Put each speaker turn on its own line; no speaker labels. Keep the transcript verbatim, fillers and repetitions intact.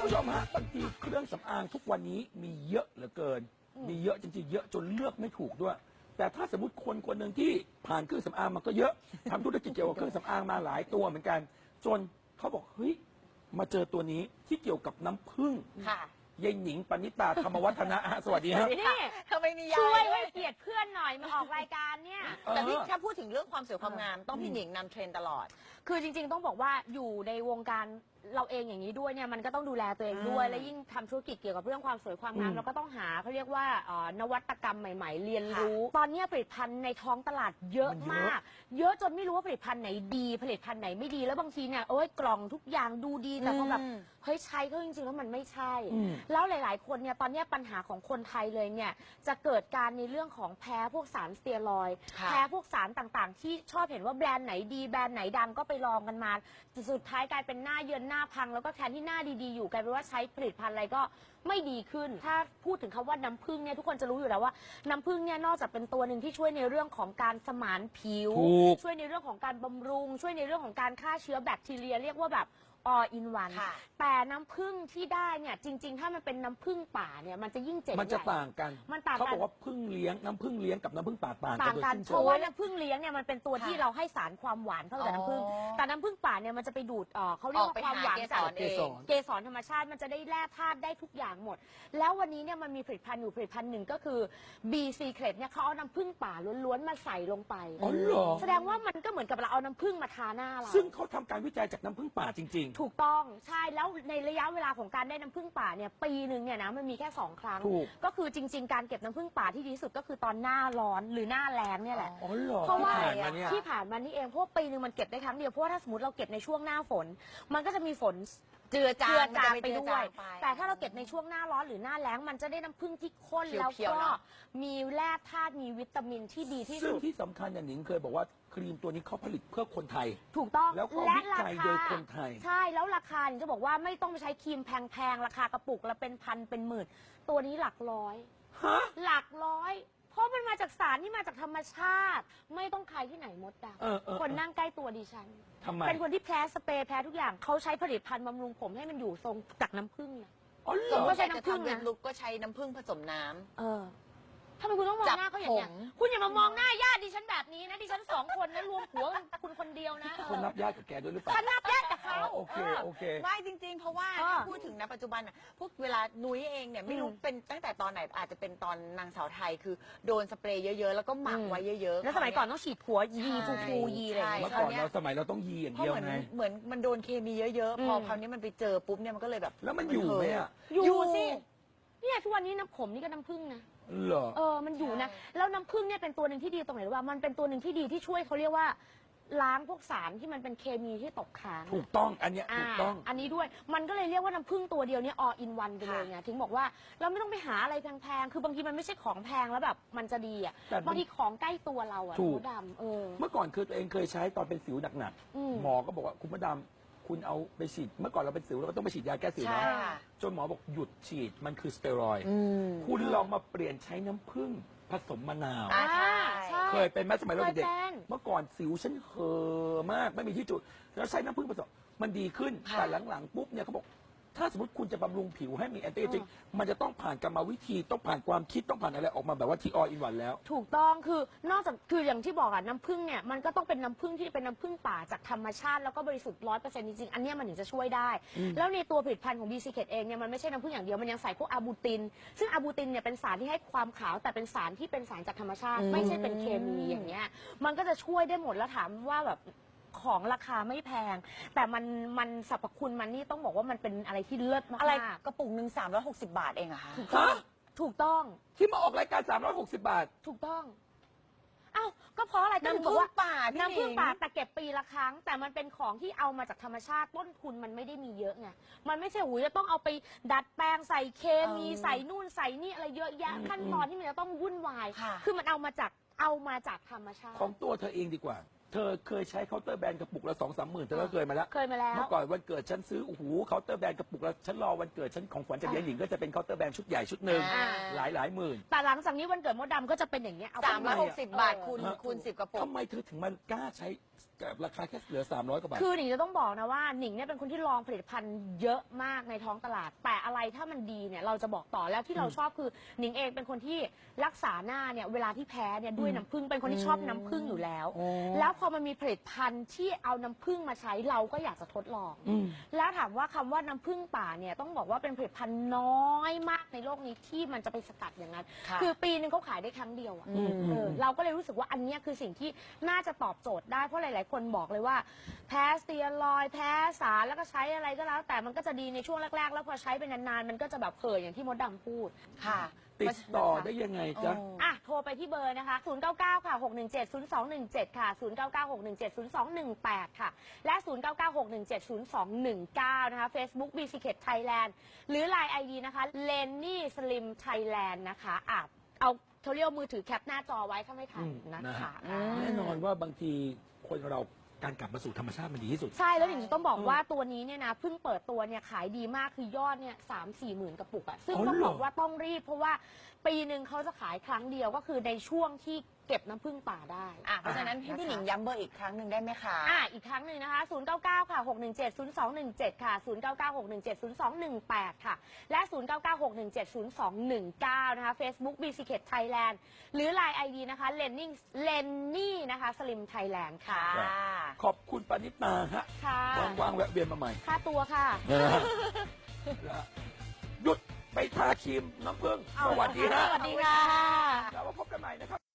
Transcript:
ผู้ชมฮะบางทีเครื่องสำอางทุกวันนี้มีเยอะเหลือเกิน มีเยอะจริงๆเยอะจนเลือกไม่ถูกด้วย แต่ถ้าสมมติคนคนหนึ่งที่ผ่านเครื่องสำอางมันก็เยอะทำธุรกิจเกี่ยวกับเครื่องสำอางมาหลายตัวเหมือนกัน จนเขาบอกเฮ้ยมาเจอตัวนี้ที่เกี่ยวกับน้ำผึ้ง
ค่ะ
ยายหนิงปณิตาธรรมวัฒนะฮะสวัสดีครับ
นี่
ทำไมมียา
ช่วย
ด้
ให้เกียรติเพื่อนหน่อยมาออกรายการเนี่ย
แต่พี่ถ้าพูดถึงเรื่องความสวยความงามต้องพี่หนิงนำเทรนด์ตลอด
คือจริงๆต้องบอกว่าอยู่ในวงการเราเองอย่างนี้ด้วยเนี่ยมันก็ต้องดูแลตัวเองด้วย
อืม
และยิ่งทำธุรกิจเกี่ยวกับเรื่องความสวยความงาม
อืม
เราก็ต้องหาเขาเรียกว่าเอ่อนวัตกรรมใหม่ ๆ เรียนรู้ ตอนนี้ผลิตภัณฑ์ในท้องตลาดเยอะมาก เยอะจนไม่รู้ว่าผลิตภัณฑ์ไหนดีผลิตภัณฑ์ไหนไม่ดีแล้วบางทีเนี่ยโอ้ยกล่องทุกอย่างดูดีแต่พอแบบ
อืม
เฮ้ยใช้ก็จริงๆแล้วมันไม่ใช่
อืม
แล้วหลาย ๆ คนเนี่ยตอนนี้ปัญหาของคนไทยเลยเนี่ยจะเกิดการในเรื่องของแพ้พวกสารสเตียรอยด์
ค่ะ
แพ้พวกสารต่างๆ ที่ชอบเห็นว่าแบรนด์ไหนดีแบรนด์ไหนดังก็ไปลองกันมาสุดท้ายกลายเป็นหน้าเยินหน้าพังแล้วก็แทนที่หน้าดีๆอยู่กลายเป็นว่าใช้ผลิตภัณฑ์อะไรก็ไม่ดีขึ้น ถ้าพูดถึงคำว่าน้ำผึ้งเนี่ยทุกคนจะรู้อยู่แล้วว่าน้ำผึ้งเนี่ยนอกจากเป็นตัวหนึ่งที่ช่วยในเรื่องของการสมานผิว
ถูก
ช่วยในเรื่องของการบำรุง ช่วยในเรื่องของการฆ่าเชื้อแบคทีเรียเรียกว่าแบบ all in one
ค่ะ
แต่น้ำผึ้งที่ได้เนี่ยจริง ๆ ถ้ามันเป็นน้ำผึ้งป่าเนี่ยมันจะยิ่งเจ๋ง
มันจะ
ใหญ่
ต่างกัน
มันต่างกัน
เขาบอกว่าพึ่งเลี้ยงน้ำพึ่งเลี้ยงกับน้ำพึ่งป่าต่างกั
ต่าน ง
โดย
กัน
สิ้น
เพ
เชิ
ราะ
ง
ว่าน้ำผึ้งเลี้ยงเนี่ยมันเป็นตัวที่
ค่ะ
เราให้สารความหวานเข้ากับน้ำผึ้ง
อ๋อ
แต่น้ำผึ้งป่าเนี่ยมันจะไปดูดเอ่อเขาเรียกว่าความหวานจาก
ออกไปหาเกสร
เกสรธรรมชาติมันจะได้แร่ธาตุได้ทุกอย่างหมด แล้ววันนี้เนี่ยมันมีผลิตภัณฑ์อยู่ผลิตภัณฑ์หนึ่งก็คือ B Secret เนี่ยเขาเอาน้ำผึ้งป่าล้วนๆมาใส่ลงไป
อ๋อเหรอ
แสดงว่ามันก็เหมือนกับเราเอาน้ำผึ้งมาทาหน้าเรา
ซึ่งเขาทำการวิจัยจากน้ำพึ่งป่าจริง
ถูกต้องใช่แล้วในระยะเวลาของการได้น้ำผึ้งป่าเนี่ยปีหนึ่งเนี่ยนะมันมีแค่สองครั้ง
ถูก
ก็คือจริง ๆ การเก็บน้ำผึ้งป่าที่ดีที่สุดก็คือตอนหน้าร้อนหรือหน้าแล้งเนี่ยแหละ
ๆ อ๋อเหรอ
เพราะว่า
ที่ผ่านมาเนี่ย
ที่ผ่านมานี่เองเพราะว่าปีหนึ่งมันเก็บได้ครั้งเดียวเพราะว่าถ้าสมมติเราเก็บในช่วงหน้าฝน มันก็จะมีฝน
เจือจา
เจือง จาง
มันจะ
ไป
เจือ
ด้
จา
วย
งไป
แต่ถ้าเราเก็บในช่วงหน้าร้อนหรือหน้าแล้งมันจะได้น้ำผึ้งที่ข้น
เขียวๆ
แล้วก็
เนอะ
มีแร่ธาตุมีวิตามินที่ดีที่
ซึ่ง
สุด
ที่สำคัญอย่างหนิงเคยบอกว่าครีมตัวนี้เขาผลิตเพื่อคนไทย
ถูกต้อง
แล้วก็
และ
วิ
รา
จัย
คา
โดยคนไทย
ใช่แล้วราคาเนี่ยจะบอกว่าไม่ต้องไปใช้ครีมแพงๆราคากระปุกละเป็นพันเป็นหมื่น ตัวนี้หลักร้อย
ฮะ
หลักร้อย เพราะมันมาจากสารที่มาจากธรรมชาติ ไม่ต้องใครที่ไหนมดด
เออเออ
ำคนนั่งใกล้ตัวดิฉัน
ทำไม
เป็นคนที่แพ้สเปรย์แพ้ทุกอย่างเขาใช้ผลิตภัณฑ์บำรุงผมให้มันอยู่ทรงจากน้ำผึ้งนะ
อ๋อเหร
สม
อ
ม
ก็
ติ
ใช้
จะ
น้ำผึ้ง
ทำเว็
นะ
บลุกก็ใช้น้ำผึ้งผสมน้ำ
เออทำไมคุณต้องมองหน้าเขาอย่างเงี้ย
จับผม
คุณอย่ามามองหน้าญาติดิฉันแบบนี้นะดิฉันสองคนนะรวมผัวคุณคนเดียวนะ
คนนับญาติกับแกด้วยหรือเปล่า
ฉันนับญาติกับเขา
อ๋อโอเคโอเค
ไม่จริง ๆ เพราะว่า
เออ
ถ้าพูดถึงนะปัจจุบันน่ะพวกเวลานุ้ยเองเนี่ยไม่รู้
อืม
เป็นตั้งแต่ตอนไหนอาจจะเป็นตอนนางสาวไทยคือโดนสเปรย์เยอะๆ แล้วก็หมักไว้เยอะๆ
แล้วสมัยก่อนต้องฉีดผัวยีฟูฟูยีอะไรอย่าง
เมื่
เงี้
อย ก่อนเราสมัยเราต้องยีอย่าง
เพราะ
เดียว
เหมือน
ไง
เหมือนมันโดนเคมีเยอะ
อื
ๆ
ม
พอคราวนี้มันไปเจอปุ๊บเนี่ยมันก็เลยแบบ
แล้วมันอยู่ไหมอ่ะ
อยู่สิ
เนี่ยทุกวันนี้น้ำผมนี่ก็น้ำผึ้งนะ
เหรอ
เออ มันอยู่นะ
ใช่
แล้วน้ำผึ้งเนี่ยเป็นตัวหนึ่งที่ดีตรงไหนรู้ว่ามันเป็นตัวหนึ่งที่ดีที่ช่วยเขาเรียกว่า ล้างพวกสารที่มันเป็นเคมีที่ตกค้าง
ถูกต้องอันเนี้ย
อ่า
ถูกต้อง
อันนี้ด้วย มันก็เลยเรียกว่าน้ำผึ้งตัวเดียวเนี่ย all in one ไปเลยไง ถึงบอกว่าเราไม่ต้องไปหาอะไรแพงๆ คือบางทีมันไม่ใช่ของแพงแล้วแบบมันจะดีอ่ะ
แต่มัน
บางทีของใกล้ตัวเราอ่ะ
ถูก
มดดำเออ
เมื่อก่อนคือตัวเองเคยใช้ตอนเป็นสิวหนัก
อืม
ๆหมอก็บอกว่าคุณมดดำคุณเอาไปฉีดเมื่อก่อนเราเป็นสิวเราก็ต้องไปฉีดยาแก้สิว
ใช่
นะ
ค่ะ
จนหมอบอกหยุดฉีดมันคือสเตียรอยด์
อืม
คุณลองมาเปลี่ยนใช้น้ำผึ้งผสมมะนาว
อ่าใช่
ใช่
เคยเป็นไหมสมัยเราเด็ก
เคยเป็น
เมื่อก่อนสิวฉันเห่อะมากไม่มีที่จุด แล้วใช้น้ำผึ้งผสมมันดีขึ้น
ค่ะ
แต่หลังๆปุ๊บเนี่ยเขาบอกถ้าสมมติคุณจะบำรุงผิวให้มีแอนตี้เอจจิ้งมันจะต้องผ่านกรรมวิธีต้องผ่านความคิดต้องผ่านอะไรออกมาแบบว่าที่ออินวันแล้ว
ถูกต้องคือนอกจากคืออย่างที่บอกอะน้ำผึ้งเนี่ยมันก็ต้องเป็นน้ำผึ้งที่เป็นน้ำผึ้งป่าจากธรรมชาติแล้วก็บริสุทธิ์ร้อยเปอร์เซ็นต์จริงๆอันเนี้ยมันถึงจะช่วยได้ แล้วในตัวผลิตภัณฑ์ของ B Secret เองเนี่ยมันไม่ใช่น้ำผึ้งอย่างเดียวมันยังใส่พวกอะบูติน ซึ่งอะบูตินเนี่ยเป็นสารที่ให้ความขาวแต่เป็นสารที่เป็นสารจากธรรมชาติ
อืม
ไม่ใช่เป็นเคมีอย่างเงี้ยมันก็จะช่วยได้หมดแล้วถามว่าแบบของราคาไม่แพง แต่มันมันสรรพคุณมันนี่ต้องบอกว่ามันเป็นอะไรที่เลิศมากๆ
อะไรกระปุกหนึ่งสามร้อยหกสิบบาทเองอะคะ
ถูกต้อง
ฮะ
ถูกต้อง
ที่มาออกรายการสามร้อยหกสิบบาท
ถูกต้อง เอ้า ก็เพราะอะไรก็ถึง
น้ำ
บ
ผึ้
อก
ง
ว่า
ป่าพี่
น้ำผึ้ง
หนิง
ป่าแต่เก็บปีละครั้ง แต่มันเป็นของที่เอามาจากธรรมชาติต้นทุนมันไม่ได้มีเยอะไง มันไม่ใช่หูยจะต้องเอาไปดัดแปลงใส่เคมี
เออ
ใส่นู่นใส่นี่อะไรเยอะแยะ
อืม
ขั้นตอนที่มันจะต้องวุ่นวาย
ค่ะ
คือมันเอามาจากเอามาจากธรรมชาติ
ของตัวเธอเองดีกว่า เธอเคยใช้เคาน์เตอร์แบรนด์กระปุกละสองสามหมื่นเธอก็เคยมาแล้ว
เคยมาแล้ว
เมื่อก่อนวันเกิดฉันซื้อโอ้โหเคาน์เตอร์แบรนด์กระปุกแล้วฉันรอวันเกิดฉันของขวัญจากยายหนิงก็จะเป็นเคาน์เตอร์แบรนด์ชุดใหญ่ชุดหนึ่ง
อ่า
หลายหลายหมื่น
แต่หลังจากนี้วันเกิดมดดำก็จะเป็นอย่างเงี้ยเอาไป
สามร้อยหกสิบบาท
เออ
คูณ
ฮะ
คูณสิบกระปุก
ทำไมเธอถึงมากล้าใช้สกับราคาแค่เหลือสามร้อยกว่าบาท
คือหนิงจะต้องบอกนะว่าหนิงเนี่ยเป็นคนที่ลองผลิตภัณฑ์เยอะมากในท้องตลาด แต่อะไรถ้ามันดีเนี่ยเราจะบอกต่อแล้วที่เราชอบคือหนิงเองเป็นคนที่รักษาหน้าเนี่ยเวลาที่แพ้เนี่ยด้วยน้ำผึ้งเป็นคนที่ชอบน้ำผึ้งอยู่แล้ว
อ๋อ
แล้วพอมันมีผลิตภัณฑ์ที่เอาน้ำผึ้งมาใช้เราก็อยากจะทดลอง
อืม
แล้วถามว่าคำว่าน้ำผึ้งป่าเนี่ยต้องบอกว่าเป็นผลิตภัณฑ์น้อยมากในโลกนี้ที่มันจะไปสกัดอย่างนั้น
ค่ะ
คือปีหนึงเขาขายได้ครั้งเดียวอะ
อืม
เออเราก็เลยรู้สึกว่าอันเนี้ยคือสิ่งที่น่าจะตอบโจทย์ได้เพราะหลาย ๆ คนบอกเลยว่าแพ้สเตียรอยด์แพ้สารแล้วก็ใช้อะไรก็แล้ว แต่มันก็จะดีในช่วงแรก ๆ แล้วพอใช้ไปนาน ๆ มันก็จะแบบเผยอย่างที่มดดำพูด
ค่ะ
ติดต่อได้ยังไงจ๊ะ
โอ้
อ่ะ โทรไปที่เบอร์นะคะ ศูนย์ เก้า เก้า ค่ะ หก หนึ่ง เจ็ด ศูนย์ สอง หนึ่ง เจ็ด ค่ะ ศูนย์ เก้า เก้า หก หนึ่ง เจ็ด ศูนย์ สอง หนึ่ง แปด ค่ะ และ ศูนย์ เก้า เก้า หก หนึ่ง เจ็ด ศูนย์ สอง หนึ่ง เก้า นะคะ Facebook b c k e t Thailand หรือ ไลน์ ไอ ดี นะคะ Lenny Slim Thailand นะคะอ่ะเอาเขาเรียกว่ามือถือแคปหน้าจอไว้ถ้าไม่ทัน
อืม
นะ
นะฮะ
คะ
อืม
แน่นอนว่าบางทีคนเราการกลับมาสู่ธรรมชาติมันดีที่สุด
ใช่ แล้วหนิงจะต้องบอกว่าตัวนี้เนี่ยนะเพิ่งเปิดตัวเนี่ยขายดีมากคือยอดเนี่ยสามสี่หมื่นกระปุกอะซึ่ง
อ๋อ
ต้อง
เหรอ
บอกว่าต้องรีบเพราะว่าปีหนึ่งเขาจะขายครั้งเดียวก็คือในช่วงที่เก็บน้ำผึ้งป่าได้
อ่ะเพราะฉะนั้นให้พี่หนิงย้ำเบอร์อีกครั้งหนึ่งได้ไหมคะ
อ่ะอีกครั้งหนึ่งนะคะ ศูนย์ เก้า เก้า ค่ะ หก หนึ่ง เจ็ด ศูนย์ สอง หนึ่ง เจ็ด ค่ะ ศูนย์ เก้า เก้า หก หนึ่ง เจ็ด ศูนย์ สอง หนึ่ง แปด ค่ะ และ ศูนย์ เก้า เก้า หก หนึ่ง เจ็ด ศูนย์ สอง หนึ่ง เก้า นะคะ Facebook b c k e t Thailand หรือ ไลน์ ไอ ดี นะคะ Lenny Lenny นะคะ Slim Thailand ค่ะ
ค่ะ
ขอบคุณปณิตาฮะ
ค่ะ
ว่างๆแวะเวียนมาใหม่
ค่าตัวค่ะ
นะฮะหยุดไปทาครีมน้ำผึ้งสวัสดีฮะ
สวัสดีค่ะ
แล้วมาพบกันใหม่นะครับ